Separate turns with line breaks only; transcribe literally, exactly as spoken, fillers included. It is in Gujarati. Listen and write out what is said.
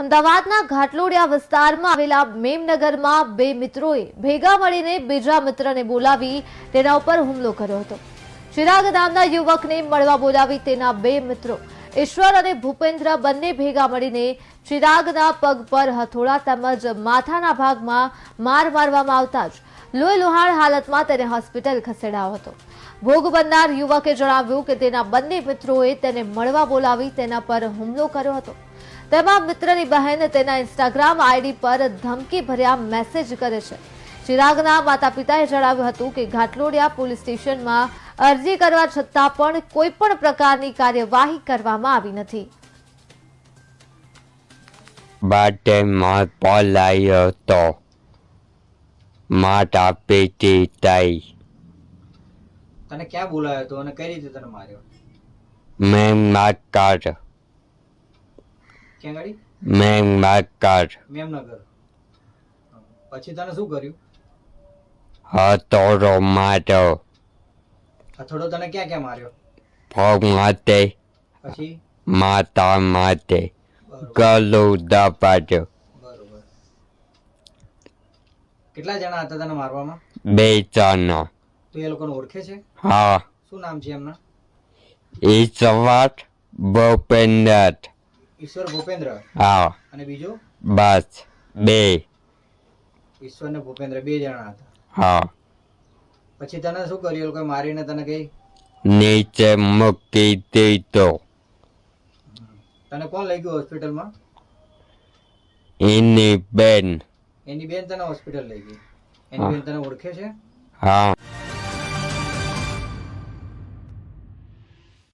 અમદાવાદના ઘાટલોડિયા વિસ્તારમાં આવેલા મેમનગરમાં બે મિત્રોએ ભેગા મળીને બીજા મિત્રને બોલાવી તેના ઉપર હુમલો કર્યો હતો। ચિરાગ નામના યુવકને મળવા બોલાવી તેના બે મિત્રો ઈશ્વર અને ભૂપેન્દ્ર બંને ભેગા મળીને ચિરાગના પગ પર હથોડા તેમજ માથાના ભાગમાં માર મારવામાં આવતા જ લોહી લુહાણ હાલતમાં તેને હોસ્પિટલ ખસેડાયો હતો। ભોગ બનનાર યુવકે જણાવ્યું કે તેના બંને મિત્રોએ તેને મળવા બોલાવી તેના પર હુમલો કર્યો હતો। તેમાં મિત્રની બહેન તેના ઇન્સ્ટાગ્રામ આઈડી પર ધમકી ભર્યા મેસેજ કરે છે। ચિરાગના માતા પિતાએ જણાવ્યું હતું કે ઘાટલોડિયા પોલીસ સ્ટેશનમાં અરજી કરવા છતાં પણ કોઈ પણ પ્રકારની કાર્યવાહી કરવામાં આવી નથી।
બાટે માર પલાયો તો માતા પેટી તાઈ
તને ક્યાં બોલાયો તો અને કઈ રીતે તને માર્યો?
મેં માકર
ક્યાં ગાડી?
મેં માકર
મેમનગર। પછી તને શું કર્યું?
હતોરો મારો
હથોડો તને ક્યાં ક્યાં માર્યો?
પગ માથે
પછી
માતા માથે
બરોબર
ગળું દબાડ્યો।
બરોબર કેટલા જણા હતા તને મારવામાં?
બે જણા।
તું એ લોકોને ઓળખે છે?
હા
શું નામ છે એમના?
ઈશ્વર ભૂપેન્દ્ર।
ઈશ્વર ભૂપેન્દ્ર
હા
અને બીજો?
બસ બે।
ઈશ્વર ને ભૂપેન્દ્ર બે જણા હતા।
હા
પછી તને શું કર્યું? એ લોકોએ મારીને તને કઈ
નીચે મૂકી દીધો।
તને કોણ લઈ ગયું હોસ્પિટલમાં?
એની બેન।
એની બેન તને હોસ્પિટલ લઈ ગઈ? એની બેન તને ઓળખે છે?
હા